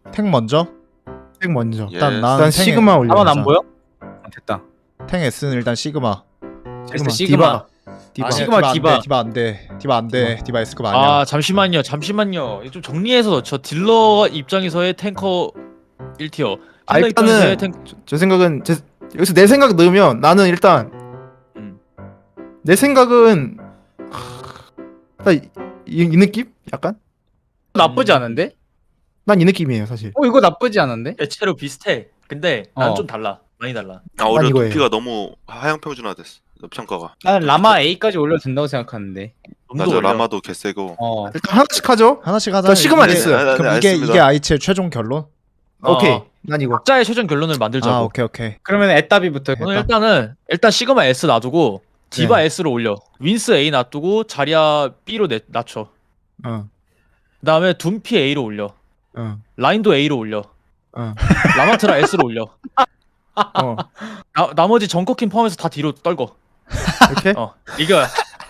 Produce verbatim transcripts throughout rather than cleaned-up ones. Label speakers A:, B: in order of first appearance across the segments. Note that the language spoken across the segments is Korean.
A: 탱 먼저?
B: 탱 먼저.
A: 일단
C: 예.
A: 난
B: 일단
A: 탱에-
B: 시그마 올려.
D: 나만 안 보여? 아, 됐다.
A: 탱 S는 일단 시그마.
B: 시그마.
D: 시그마.
B: 디바. 디바.
D: 아, 시그마,
A: 안
D: 디바.
A: 돼, 디바 안 돼. 디바 안 돼. 디바 S급 아니야.
E: 아 잠시만요 잠시만요 이거 좀 정리해서 저 딜러 입장에서의 탱커 일 티어
B: 아,
E: 딜러 입장에서의
B: 일단은
E: 탱
B: 제 생각은 제, 여기서 내 생각 넣으면 나는 일단
E: 음.
B: 내 생각은 하, 이, 이, 이 느낌? 약간?
D: 나쁘지 않은데?
B: 난 이 느낌이에요 사실.
D: 어 이거 나쁘지 않은데?
E: 대체로 비슷해 근데 난
D: 어.
E: 좀 달라 많이 달라
C: 아 오히려
B: 이거예요.
C: 두피가 너무 하향평준화됐어. 평가가.
D: 나는 라마 A까지 올려도 된다고 생각하는데.
E: 좀더
C: 맞아
E: 올려.
C: 라마도 개세고.
D: 어.
B: 일단 하나씩 하죠.
A: 하나씩 하자.
B: 저 시그마
A: 이게-
B: S.
C: 네, 네,
A: 그럼 이게
C: 알겠습니다.
A: 이게 아이치의 최종 결론?
E: 어.
B: 오케이. 난 이거.
E: 각자의 최종 결론을 만들자고
A: 아, 오케이, 오케이.
D: 그러면 애따비부터.
A: 네.
E: 오늘 일단은 일단 시그마 S 놔두고 디바
B: 네.
E: S로 올려 윈스 A 놔두고 자리아 B로 내, 낮춰
B: 어.
E: 그 다음에 둠피 A로 올려
B: 어.
E: 라인도 A로 올려
B: 어.
E: 라마트라 S로 올려
B: 어.
E: 나, 나머지 정커킨 포함해서 다 뒤로 떨궈
B: 이렇게?
E: 어 이거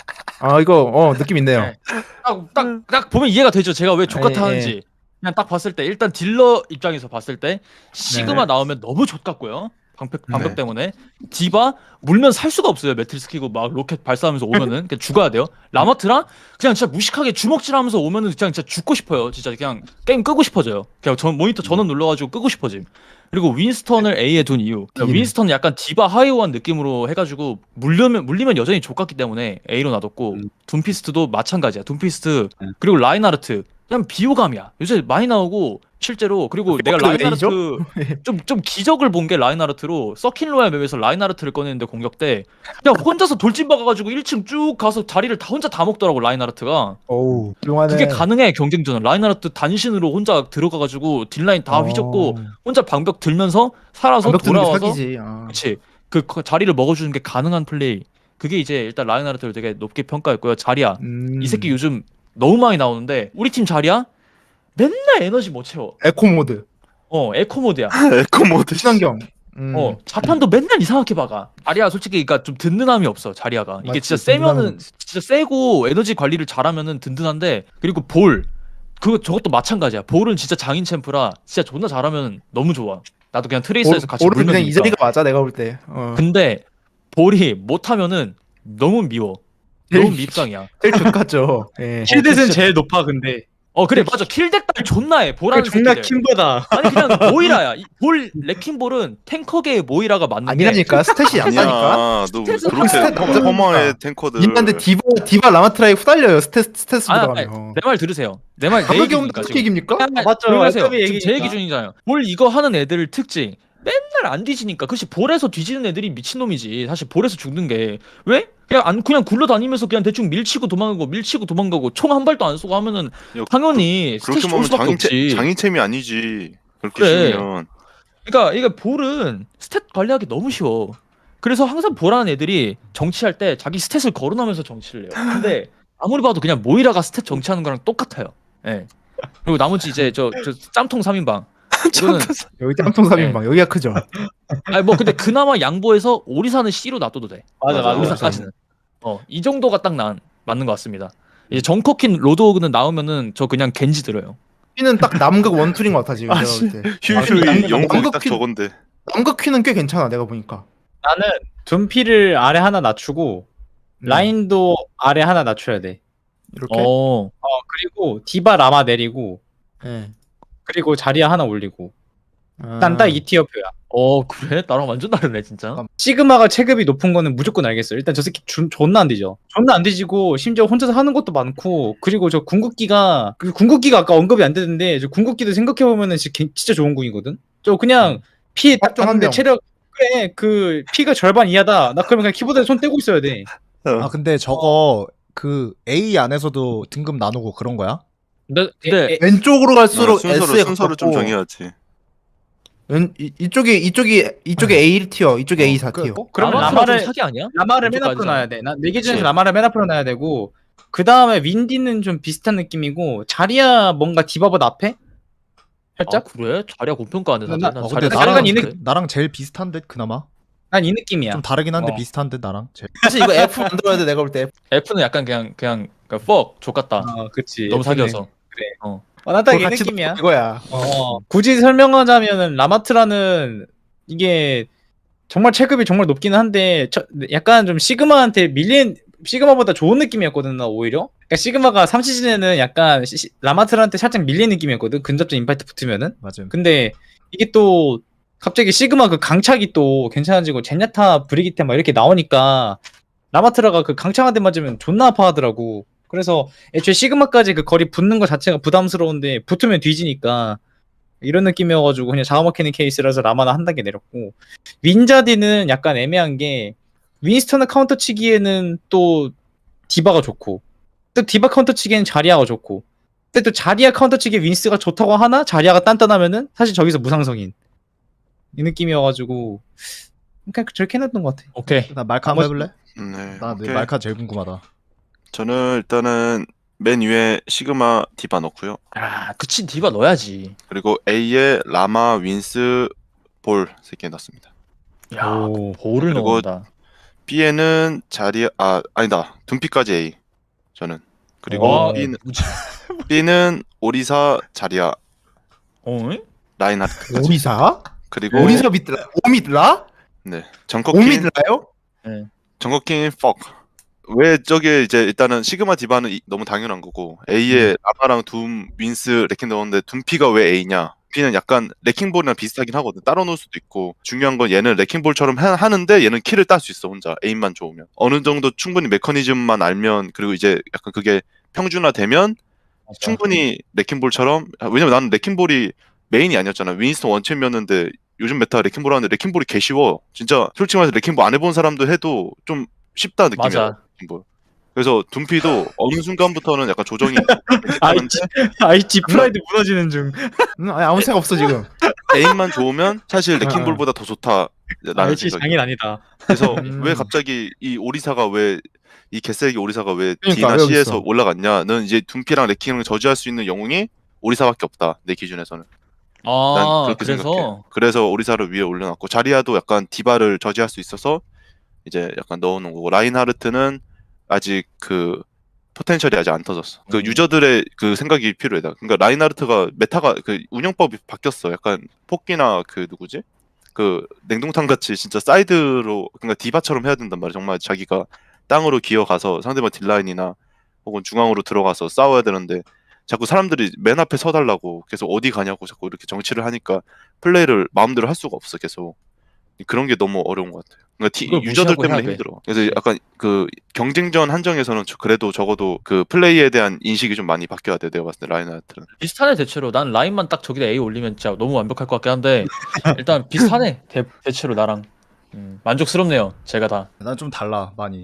B: 아 이거 어 느낌 있네요.
E: 네. 딱, 딱, 딱 보면 이해가 되죠. 제가 왜 족같아
B: 예,
E: 하는지. 그냥 딱 봤을 때 일단 딜러 입장에서 봤을 때 시그마
B: 네.
E: 나오면 너무 족같고요. 방벽 방벽
B: 네.
E: 때문에 디바 물면 살 수가 없어요. 매트리스 키고 막 로켓 발사하면서 오면은 그냥 죽어야 돼요. 라마트랑 그냥 진짜 무식하게 주먹질하면서 오면은 그냥 진짜 죽고 싶어요. 진짜 그냥 게임 끄고 싶어져요. 그냥 전 모니터 전원 눌러가지고 끄고 싶어짐. 그리고 윈스턴을 A에 둔 이유.
B: 음.
E: 윈스턴은 약간 디바 하이오한 느낌으로 해가지고 물리면 물리면 여전히 족같기 때문에 A로 놔뒀고
D: 음.
E: 둠피스트도 마찬가지야. 둠피스트
D: 음.
E: 그리고 라인하르트 그냥 비호감이야. 요새 많이 나오고 실제로 그리고 내가
B: 그것도
E: 라인하르트
B: A죠?
E: 좀 좀 기적을 본 게 라인하르트로 서킨 로얄 맵에서 라인하르트를 꺼냈는데 공격 때 그냥 혼자서 돌진 박아가지고 일 층 쭉 가서 자리를 다 혼자 다 먹더라고 라인하르트가.
B: 어우 훌륭하네.
E: 그게 가능해 경쟁전은. 라인하르트 단신으로 혼자 들어가가지고 딜라인 다
B: 어.
E: 휘젓고 혼자 방벽 들면서 살아서
B: 방벽 드는 게
E: 돌아와서
B: 사기지. 아.
E: 그렇지 그 거- 자리를 먹어주는 게 가능한 플레이. 그게 이제 일단 라인하르트를 되게 높게 평가했고요. 자리야
B: 음.
E: 이 새끼 요즘 너무 많이 나오는데 우리 팀 자리야 맨날 에너지 못 채워.
B: 에코 모드.
E: 어 에코 모드야.
C: 에코 모드.
B: 친환경. 음.
E: 어 자판도 맨날 이상하게 박아. 자리야 솔직히 그러니까 좀 든든함이 없어. 자리야가 이게
B: 맞지,
E: 진짜
B: 든든함은
E: 세면은
B: 없지.
E: 진짜 세고 에너지 관리를 잘하면은 든든한데 그리고 볼 그거 저것도 마찬가지야. 볼은 진짜 장인 챔프라 진짜 존나 잘하면 너무 좋아. 나도 그냥 트레이서에서 같이
B: 오른
E: 물면
B: 그냥 이
E: 되니까.
B: 자리가 맞아 내가 볼 때. 어.
E: 근데 볼이 못하면은 너무 미워. 너무 밉상이야.
B: 제일 좋겠죠. 예.
D: 킬댓은
E: 진짜-
D: 제일 높아 근데.
E: 어 그래 맞아 킬덱달 존나해. 보라는
D: 그 존나
E: 새끼들.
D: 킴보다.
E: 아니 그냥 모이라야. 이 볼 레킹볼은 탱커계의 모이라가 맞는데
B: 아니라니까 스탯이
C: 아니야.
B: 약하니까.
C: 너
E: 스탯은
C: 그렇게
B: 스탯
C: 허망해 탱커들.
B: 인간데 디바 디바 라마트라에 후달려요 스탯 스탯
E: 아,
B: 보다가면.
E: 내 말 들으세요. 내 말 내
B: 가격이
E: 얘기니까
B: 없는 그
E: 지금.
B: 얘기입니까?
E: 아,
D: 맞죠.
E: 조용하세요.
D: 어차피
E: 지금 제
D: 얘기니까.
E: 얘기 중이잖아요. 볼 이거 하는 애들 특징 맨날 안 뒤지니까. 그렇지 볼에서 뒤지는 애들이 미친놈이지. 사실 볼에서 죽는 게 왜? 그냥 안 그냥 굴러다니면서 그냥 대충 밀치고 도망가고 밀치고 도망가고 총 한 발도 안 쏘고 하면은
C: 야,
E: 당연히
C: 그렇게
E: 스탯이 좋을
C: 보면
E: 수밖에
C: 장인체
E: 없지.
C: 장인챔이 아니지. 그렇게
E: 그래.
C: 쉬면.
E: 그러니까 이게 볼은 스탯 관리하기 너무 쉬워. 그래서 항상 보라는 애들이 정치할 때 자기 스탯을 거론하면서 정치를 해요. 근데 아무리 봐도 그냥 모이라가 스탯 정치하는 거랑 똑같아요. 예. 그리고 나머지 이제 저, 저 짬통 삼 인방. 이거는
B: 여기 짬통 삼인방 여기가 크죠.
E: 아니 뭐 근데 그나마 양보해서 오리사는 C로 놔둬도 돼.
D: 맞아 맞아.
E: 오리사까지는. 어, 이 정도가 딱 난, 맞는 것 같습니다. 이제 정커킨 로드오그는 나오면은 저 그냥 겐지 들어요.
B: 퀴는 딱 남극 원툴인 것 같아 지금
C: 아,
B: 내가 볼 때.
C: 휴휴
B: 남극-
C: 영국이 딱
B: 남극
C: 저건데.
B: 남극 퀴는 꽤 괜찮아 내가 보니까.
D: 나는 둠피를 아래 하나 낮추고
B: 음.
D: 라인도 아래 하나 낮춰야 돼.
B: 이렇게.
E: 어.
D: 어 그리고 디바 라마 내리고
B: 예.
D: 그리고 자리야 하나 올리고.
B: 아.
D: 난 딱 이 티어표야.
E: 어, 그래? 나랑 완전 다르네, 진짜.
D: 시그마가 체급이 높은 거는 무조건 알겠어. 일단 저 새끼 준- 존나 안 뒤져. 존나 안 뒤지고 심지어 혼자서 하는 것도 많고 그리고 저 궁극기가 그 궁극기가 아까 언급이 안 되는데 저 궁극기도 생각해 보면은 진짜 좋은 궁이거든. 저 그냥 피 딱
B: 합정 한
D: 봤는데
B: 명.
D: 체력 그래 그 피가 절반 이하다. 나 그러면 그냥 키보드에 손 떼고 있어야 돼.
A: 아, 근데 저거 그 A 안에서도 등급 나누고 그런 거야?
E: 근데, 근데
D: 에,
B: 왼쪽으로 갈수록
C: 어, 순서를
B: S에
C: 순서를 좀
B: 가깝고,
C: 정해야지.
B: 왼 이, 이쪽이 이쪽이 이쪽에 A 일 티어, 이쪽에 A 사
A: 그-
B: 티어.
D: 어? 그러면
E: 라마트라 좀
D: 라마를
E: 사기 아니야?
D: 라마를 맨 앞으로
E: 왼쪽까지잖아.
D: 놔야 돼. 난내 기준에서
C: 그치.
D: 라마를 맨 앞으로 놔야 되고 그 다음에 윈디는 좀 비슷한 느낌이고 자리야 뭔가 디바보다 앞에?
E: 아,
D: 살짝?
E: 그래? 자리야 고평가하네, 다들.
D: 나-
E: 난
A: 어,
E: 자리야
A: 근데
D: 약간
A: 나랑
D: 이
A: 그- 나랑 제일 비슷한데 그나마
D: 난 이 느낌이야.
A: 좀 다르긴 한데
D: 어.
A: 비슷한데 나랑 제일.
B: 사실 이거 F 만들어야 돼 내가 볼 때.
E: F는 약간 그냥, 그냥, 그냥, fuck, 족같다.
D: 어, 그치.
E: 너무
D: F는.
E: 사기여서.
D: 그래.
E: 어.
D: 어, 나딱 이
B: 그거 같이
D: 느낌이야.
B: 이거야.
D: 어, 굳이 설명하자면은 라마트라는 이게 정말 체급이 정말 높기는 한데 저, 약간 좀 시그마한테 밀린 시그마보다 좋은 느낌이었거든 나 오히려. 그러니까 시그마가 삼 시즌에는 약간 시, 시- 라마트라한테 살짝 밀린 느낌이었거든 근접전 임팩트 붙으면은.
A: 맞음.
D: 근데 이게 또 갑자기 시그마 그 강착이 또 괜찮아지고 제냐타 브리기테 막 이렇게 나오니까 라마트라가 그 강착 한 대 맞으면 존나 아파하더라고. 그래서 애초에 시그마까지 그 거리 붙는 거 자체가 부담스러운데 붙으면 뒤지니까 이런 느낌이어가지고 그냥 잡아먹히는 케이스라서 라마나 한 단계 내렸고, 윈자디는 약간 애매한 게 윈스턴을 카운터 치기에는 또 디바가 좋고 또 디바 카운터 치기에는 자리아가 좋고, 근데 또 자리아 카운터 치기에 윈스가 좋다고 하나 자리아가 단단하면은 사실 저기서 무상성인 이 느낌이어가지고 그냥 저렇게 해놨던 것 같아.
E: 오케이.
A: 나 말카 한번 해볼래?
C: 네.
A: 나 내
C: 오케이.
A: 말카 제일 궁금하다.
C: 저는 일단은 맨 위에 시그마 디바 넣고요.
E: 아, 그치 디바 넣어야지.
C: 그리고 A에 라마, 윈스, 볼 세 개 넣습니다.
E: 야,
D: 오.
E: 볼을
C: 그리고
E: 넣는다.
C: B에는 자리 아 아니다 둔피까지 A 저는. 그리고
E: 와,
C: B는
E: 뭐지?
C: B는 오리사, 자리아,
E: 어?
C: 라인하르트까지.
B: 오리사?
C: 그리고
B: 오리사 믿라? 오미드라?
C: 네 정커킹
B: 오미드라요?
C: 정커킹 fuck. 왜 저게 이제 일단은 시그마 디바는 이- 너무 당연한 거고 A에 라마랑 둠, 윈스, 레킹 넣었는데 둠피가 왜 A냐? B는 약간 레킹볼이랑 비슷하긴 하거든. 따로 놓을 수도 있고 중요한 건 얘는 레킹볼처럼 하, 하는데 얘는 킬을 딸 수 있어 혼자 에임만 좋으면 어느 정도 충분히 메커니즘만 알면 그리고 이제 약간 그게 평준화되면
E: 맞아.
C: 충분히 레킹볼처럼 아, 왜냐면 나는 레킹볼이 메인이 아니었잖아. 윈스턴 원챔이었는데 요즘 메타 레킹볼 하는데 레킹볼이 개 쉬워. 진짜 솔직히 말해서 레킹볼 안 해본 사람도 해도 좀 쉽다 느낌이야.
E: 맞아.
C: 레킹볼. 그래서 둠피도 어느 순간부터는 약간 조정이 하는데
D: 아이치 아이치 프라이드 무너지는 중.
B: 응, 아니, 아무 생각 없어 지금.
C: 에임만 좋으면 사실 레킹볼보다 더 좋다. 라는
D: 아이치
C: 생각이.
D: 장인 아니다.
C: 그래서
B: 음.
C: 왜 갑자기 이 오리사가 왜 이 개쓰레기 오리사가 왜
B: 그러니까,
C: D나
B: 왜 여기
C: C에서
B: 있어?
C: 올라갔냐는 이제 둠피랑 레킹을 저지할 수 있는 영웅이 오리사밖에 없다 내 기준에서는. 난
E: 아,
C: 그렇게 생각해.
E: 그래서
C: 그래서 오리사를 위에 올려놨고 자리아도 약간 디바를 저지할 수 있어서 이제 약간 넣어놓은 거고 라인하르트는 아직 그 포텐셜이 아직 안 터졌어. 그
E: 음.
C: 유저들의 그 생각이 필요해. 그러니까 라인하르트가 메타가 그 운영법이 바뀌었어. 약간 폭기나 그 누구지? 그 냉동탕 같이 진짜 사이드로 그러니까 디바처럼 해야 된단 말이야. 정말 자기가 땅으로 기어가서 상대방 딜라인이나 혹은 중앙으로 들어가서 싸워야 되는데 자꾸 사람들이 맨 앞에 서달라고 계속 어디 가냐고 자꾸 이렇게 정치를 하니까 플레이를 마음대로 할 수가 없어 계속. 그런 게 너무 어려운 것 같아요. 그러니까 티-
E: 그걸
C: 유저들
E: 무시하고
C: 때문에
E: 해야 돼.
C: 힘들어. 그래서 약간 그 경쟁전 한정에서는 저- 그래도 적어도 그 플레이에 대한 인식이 좀 많이 바뀌어야 돼. 내가 봤을 때 라인하르트는.
E: 비슷하네 대체로. 난 라인만 딱 저기다 A 올리면 진짜 너무 완벽할 것 같긴 한데 일단 비슷하네 대, 대체로 나랑. 음, 만족스럽네요. 제가 다.
A: 난 좀 달라 많이.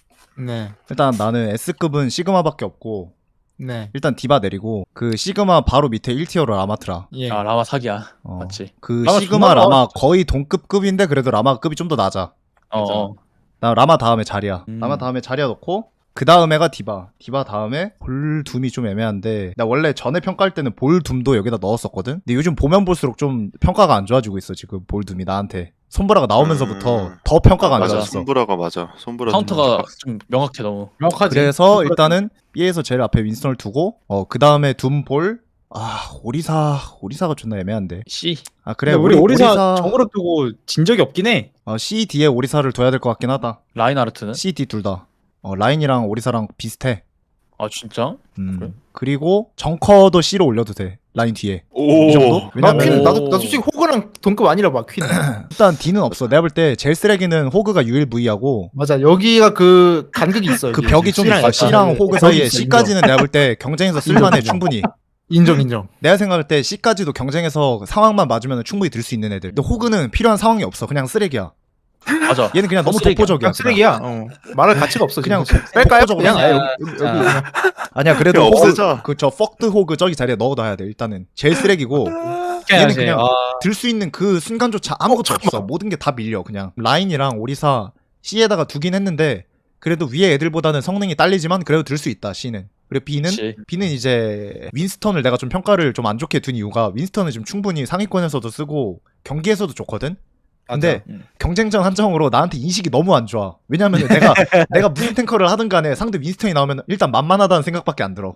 B: 네,
A: 일단 나는 S급은 시그마밖에 없고
B: 네,
A: 일단 디바 내리고 그 시그마 바로 밑에 일 티어로 라마트라.
B: 예.
E: 아 라마 사기야.
A: 어,
E: 맞지.
A: 그
D: 라마
A: 시그마
D: 존나
A: 라마 거의 동급급인데 그래도 라마 급이 좀 더 낮아.
E: 어.
A: 맞아.
E: 어.
A: 나 라마 다음에 자리야.
E: 음.
A: 라마 다음에 자리야 넣고 그 다음에가 디바. 디바 다음에 볼둠이 좀 애매한데 나 원래 전에 평가할 때는 볼둠도 여기다 넣었었거든. 근데 요즘 보면 볼수록 좀 평가가 안 좋아지고 있어 지금 볼둠이 나한테. 손브라가 나오면서부터
C: 음.
A: 더 평가가 안
C: 맞아.
A: 좋아졌어.
C: 손브라가 맞아. 손브라
E: 카운터가 좀 명확해 너무.
D: 명확하지.
A: 그래서 일단은 B에서 제일 앞에 윈스턴을 두고 어 그 다음에 둠볼. 아 오리사 오리사가 존나 애매한데.
E: C.
A: 아 그래
D: 근데 우리 오리사, 정으로 두고 진 적이 없긴 해.
A: 어, C, D에 오리사를 둬야 될 것 같긴 하다.
E: 라인하르트는?
A: C, D 둘 다. 어, 라인이랑 오리사랑 비슷해.
E: 아 진짜?
A: 음.
E: 그래?
A: 그리고 정커도 C로 올려도 돼. 라인 뒤에.
C: 오.
A: 이 정도?
B: 나
A: 왜냐면
B: 퀸,
E: 오.
B: 나도 나도 솔직히 호그랑 동급 아니라 봐 퀸.
A: 일단 D는 없어. 내가 볼 때 제일 쓰레기는 호그가 유일 V하고
B: 맞아, 여기가 그 간극이 있어.
A: 그
B: 여기.
A: 벽이 좀
B: C랑
A: 있어.
B: 약간
A: C랑
B: 그
A: 호그
B: 벽이
A: 사이에
B: 있어,
A: C까지는 내가 볼 때 경쟁에서 쓸만해
B: 인정.
A: 충분히.
B: 인정 인정.
A: 내가 생각할 때 C까지도 경쟁에서 상황만 맞으면 충분히 들 수 있는 애들. 근데 호그는 필요한 상황이 없어. 그냥 쓰레기야.
E: 맞아.
A: 얘는 그냥 너무
E: 쓰레기야.
A: 독보적이야.
B: 그냥 쓰레기야. 어. 말할 가치가 없어.
A: 그냥
B: 지금. 뺄까요?
A: 독보적으로
B: 그냥 아예
D: 그냥-
B: 여기, 여기
D: 자.
B: 그냥.
A: 아니야 그래도
C: 야,
A: 호그
C: 없애자.
A: 그저 퍽드 호그 저기 자리에 넣어둬야 돼. 일단은 제일 쓰레기고 얘는 그냥
D: 아,
A: 들 수 있는 그 순간조차 아무것도
B: 어,
A: 없어. 모든 게 다 밀려 그냥. 라인이랑 오리사 C에다가 두긴 했는데 그래도 위에 애들보다는 성능이 딸리지만 그래도 들 수 있다 C는. 그리고 B는
E: 그치.
A: B는 이제 윈스턴을 내가 좀 평가를 좀 안 좋게 둔 이유가 윈스턴은 지금 충분히 상위권에서도 쓰고 경기에서도 좋거든. 근데
E: 음.
A: 경쟁전 한정으로 나한테 인식이 너무 안 좋아. 왜냐면 내가 내가 무슨 탱커를 하든 간에 상대 윈스턴이 나오면 일단 만만하다는 생각밖에 안 들어.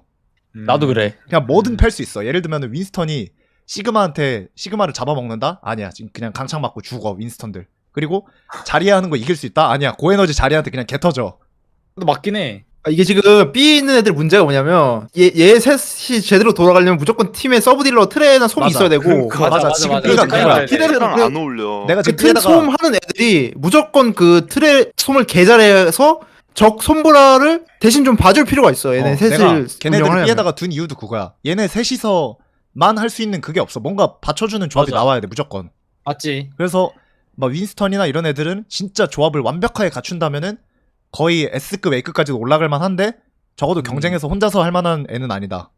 D: 음.
E: 나도 그래.
A: 그냥 뭐든 팰 수 있어. 예를 들면 윈스턴이 시그마한테 시그마를 잡아먹는다? 아니야. 지금 그냥 강창 맞고 죽어 윈스턴들. 그리고 자리야 하는 거 이길 수 있다? 아니야. 고에너지 자리한테 그냥 개 터져.
D: 근데 맞긴 해.
B: 아, 이게 지금 B에 있는 애들 문제가 뭐냐면 얘, 얘 셋이 제대로 돌아가려면 무조건 팀에 서브 딜러 트레나 솜이
A: 맞아.
B: 있어야 되고
A: 그러니까 맞아.
D: 맞아,
A: 지금
D: 맞아.
A: 그러니까
D: 그러니까
A: 그거야.
D: 그래.
C: 트레랑
B: 그-
C: 안 어울려.
A: 내가
B: 그
A: 지금
B: 트레
A: B에다가
B: 솜 하는 애들이 무조건 그 트레 솜을 개잘해서 적 솜브라를 대신 좀 봐줄 필요가 있어. 얘네
A: 어,
B: 셋을
A: 내가
B: 운영을
A: 걔네들
B: 하려면.
A: B에다가 둔 이유도 그거야. 얘네 셋이서만 할 수 있는 그게 없어. 뭔가 받쳐주는 조합이
E: 맞아.
A: 나와야 돼 무조건.
D: 맞지.
A: 그래서 막 윈스턴이나 이런 애들은 진짜 조합을 완벽하게 갖춘다면은 거의 S급, A급까지도 올라갈 만한데 적어도
D: 음.
A: 경쟁에서 혼자서 할 만한 애는 아니다.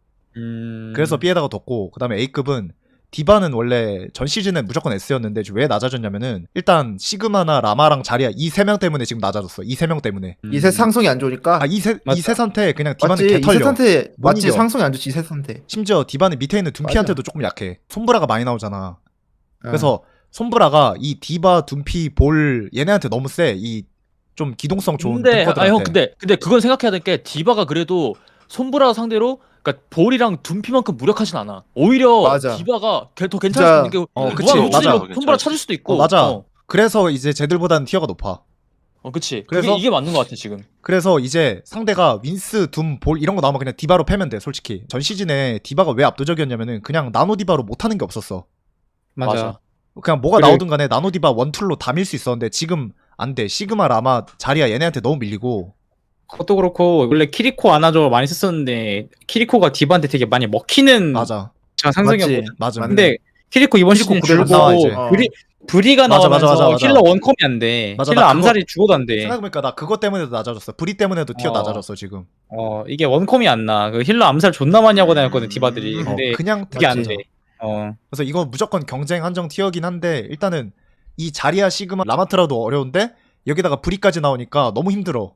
D: 음.
A: 그래서 B에다가 뒀고 그다음에 A급은 디바는 원래 전 시즌엔 무조건 S였는데 지금 왜 낮아졌냐면은 일단 시그마나 라마랑 자리야 이 세 명 때문에 지금 낮아졌어. 이 세 명 때문에.
D: 음.
B: 이셋 상성이 안 좋으니까.
A: 아 이 세
D: 맞다.
A: 이 세 상태 그냥 디바는
B: 맞지.
A: 개
B: 이셋
A: 털려.
B: 상태
A: 못
B: 맞지.
A: 이겨.
B: 상성이 안 좋지. 이셋 상태.
A: 심지어 디바는 밑에 있는 둠피한테도 조금 약해. 솜브라가 많이 나오잖아.
B: 어.
A: 그래서 솜브라가 이 디바, 둠피, 볼 얘네한테 너무 세. 이 좀 기동성 좋은
E: 근데
A: 탱커들한테.
E: 아 형 근데 근데 그건 생각해야 될 게 디바가 그래도 손브라 상대로 그러니까 볼이랑 둠피만큼 무력하진 않아. 오히려
B: 맞아.
E: 디바가 걔- 더 괜찮을
B: 진짜-
E: 수 있는 게
A: 어, 그치.
E: 무한
A: 맞아.
E: 로치로 손브라 찾을 수도 있고.
A: 어, 맞아.
E: 어,
A: 그래서 이제 쟤들보다는 티어가 높아.
E: 어 그치.
A: 그래서-
E: 그래서 이게 맞는 것 같아 지금.
A: 그래서 이제 상대가 윈스, 둠, 볼 이런 거 나오면 그냥 디바로 패면 돼. 솔직히 전 시즌에 디바가 왜 압도적이었냐면은 그냥 나노 디바로 못하는 게 없었어.
D: 맞아.
E: 맞아.
A: 그냥 뭐가
D: 그래.
A: 나오든 간에 나노 디바 원툴로 다 밀 수 있었는데 지금 안 돼. 시그마, 라마, 자리야 얘네한테 너무 밀리고.
D: 그것도 그렇고 원래 키리코 안아줘 많이 썼었는데 키리코가 디바한테 되게 많이 먹히는
A: 맞아.
D: 제가 상성이었거든.
B: 맞지.
A: 맞아.
B: 맞네.
D: 근데 키리코 이번
B: 키리코
D: 시즌
B: 그대로
D: 줄고
A: 나와, 이제.
B: 어.
D: 브리 브리가
A: 맞아, 맞아,
D: 나오면서
A: 맞아, 맞아.
D: 힐러 원컴이 안 돼.
A: 맞아,
D: 힐러
A: 나
D: 암살이 죽어도 안 돼.
A: 생각해보니까 나 그것 때문에도 낮아졌어. 브리 때문에도 티어
D: 어.
A: 낮아졌어 지금.
D: 어 이게 원컴이 안 나. 그 힐러 암살 존나 많이 하고 다녔거든 디바들이.
B: 음,
A: 어,
D: 근데
A: 그냥
D: 그게 안
A: 맞지.
D: 돼. 어
A: 그래서 이거 무조건 경쟁 한정 티어긴 한데 일단은 이 자리아 시그마 라마트라도 어려운데 여기다가 브리까지 나오니까 너무 힘들어.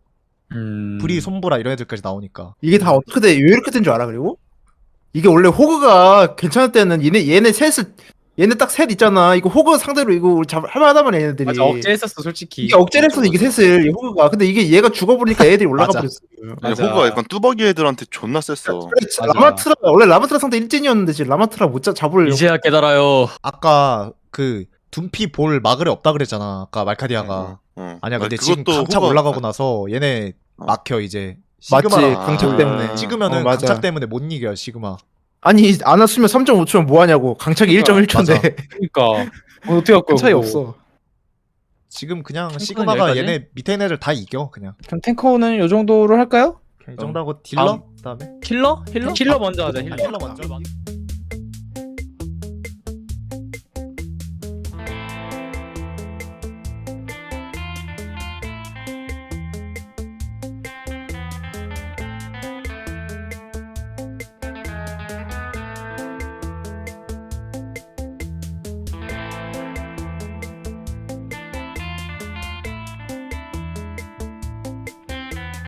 D: 음.
A: 브리, 솜보라 이런 애들까지 나오니까.
B: 이게 다 어떻게 돼? 왜 이렇게 된 줄 알아? 그리고 이게 원래 호그가 괜찮을 때는 얘네 얘네 셋을 얘네 딱 셋 있잖아. 이거 호그 상대로 이거 우리 잡 할만하다만 얘네들이.
D: 맞아 억제했었어 솔직히.
B: 이게 억제를 했어 이게 셋을 이 호그가. 근데 이게 얘가 죽어버리니까 애들이 올라가
A: 맞아.
B: 버렸어.
C: 아니,
D: 맞아.
C: 호구가 약간 뚜벅이 애들한테 존나 셌어.
D: 맞아.
B: 라마트라 원래 라마트라 상대 일진이었는데 지금 라마트라 못 잡- 잡을.
E: 이제야 깨달아요.
A: 아까 그 둠피 볼 마그레 없다 그랬잖아. 아까 말카디아가.
C: 어.
A: 아니야 근데
C: 아니,
A: 지금
C: 그것도
A: 강착
C: 호구가-
A: 올라가고 나서 얘네
C: 어.
A: 막혀 이제.
B: 맞지
A: 시그마랑
B: 강착
C: 아.
B: 때문에.
A: 찍으면은
B: 어, 맞아.
A: 강착 때문에 못 이겨 시그마.
B: 아니 안 왔으면 삼 점 오 초면 뭐 하냐고. 강착이 일 점 일 초인데
D: 그러니까 어, 어떻게 할까?
B: 큰 차이
D: 그거.
B: 없어.
A: 지금 그냥
E: 탱커는
A: 시그마가
E: 여기까지?
A: 얘네 밑에 있는 애들 다 이겨 그냥.
D: 그럼 탱커는 요 정도로 할까요?
A: 이 정도하고 딜러? 그다음에
E: 힐러? 힐러?
D: 힐러 먼저 하자. 힐러.
A: 힐러 먼저.